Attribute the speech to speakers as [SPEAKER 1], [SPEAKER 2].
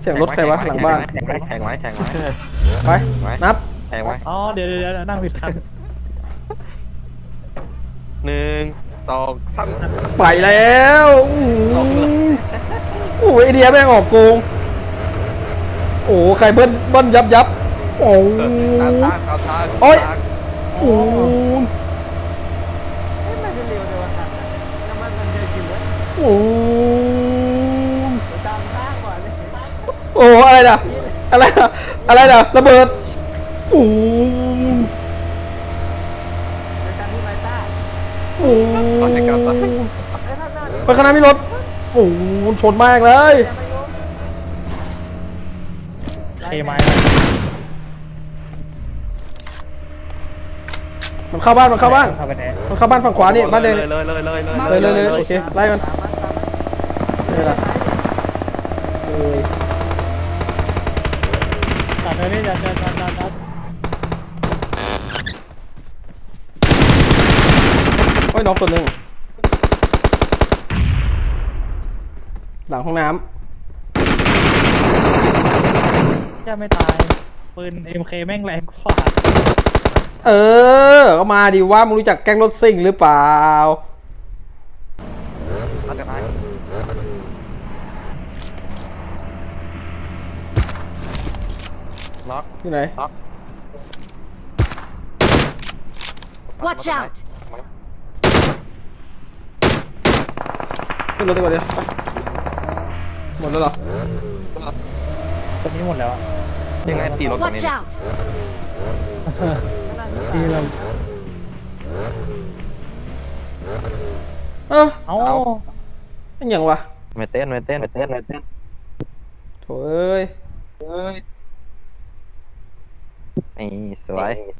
[SPEAKER 1] เสียงรถใครวะหลังบ้าน
[SPEAKER 2] แข่งไว้
[SPEAKER 1] ไปนับ
[SPEAKER 2] แข่งไว้
[SPEAKER 3] อ๋อเดี๋ยวนั่งผิดคัน
[SPEAKER 2] 1 2 3
[SPEAKER 1] ไปแล้วโอ้ยไอเดียแม่งออกโกงโอ้ใครเบิ้ลยับโอ้โอ้ยโอ้
[SPEAKER 3] น่าจะเร็วเลยว่ะน้ำมันเยอะจริงเลย
[SPEAKER 1] โอ้
[SPEAKER 3] ตามข้างก่อนเลย
[SPEAKER 1] โอ้อะไรนะระเบิดโอ้
[SPEAKER 3] ในการที่ไมต้า
[SPEAKER 1] โอ้
[SPEAKER 3] ไอ้ข้างหน้านี่
[SPEAKER 1] ไปข้างหน้ามีรถโอ้ชนมากเลย
[SPEAKER 3] เทไม้
[SPEAKER 1] มันเข้าบ้าน
[SPEAKER 3] เข้าไปไหน
[SPEAKER 1] มันเข้าบ้านฝั่งขวานี่บ้านแดง
[SPEAKER 2] เลย
[SPEAKER 1] โอเคไล่กันนี่แหละเอ้ย
[SPEAKER 3] ตัดเลยนี่จัด
[SPEAKER 1] โอ้ยน้องตัวหนึ่งหลังห้องน้
[SPEAKER 3] จะไม่ตายปืน MK แม่งแรงกว่า
[SPEAKER 1] ำก็มาดิว่ามึงรู้จักแก๊งรถซิ่งหรือเปล่า
[SPEAKER 2] ล็อก
[SPEAKER 1] ที่ไหน
[SPEAKER 4] Watch out!
[SPEAKER 1] ขึ้นรถดีกว่าเดี๋ยวหมดแล้วเหรอ
[SPEAKER 3] ตอนนี้หมดแล้ว
[SPEAKER 2] ยังไงตีรถตรง
[SPEAKER 4] Watch
[SPEAKER 2] นี้
[SPEAKER 4] out!
[SPEAKER 3] ที่เรา
[SPEAKER 1] เอ้า
[SPEAKER 3] เอา
[SPEAKER 1] อย่างวะ
[SPEAKER 2] ไม่เต้น
[SPEAKER 1] โถ่เอ้ย
[SPEAKER 2] นี่สวย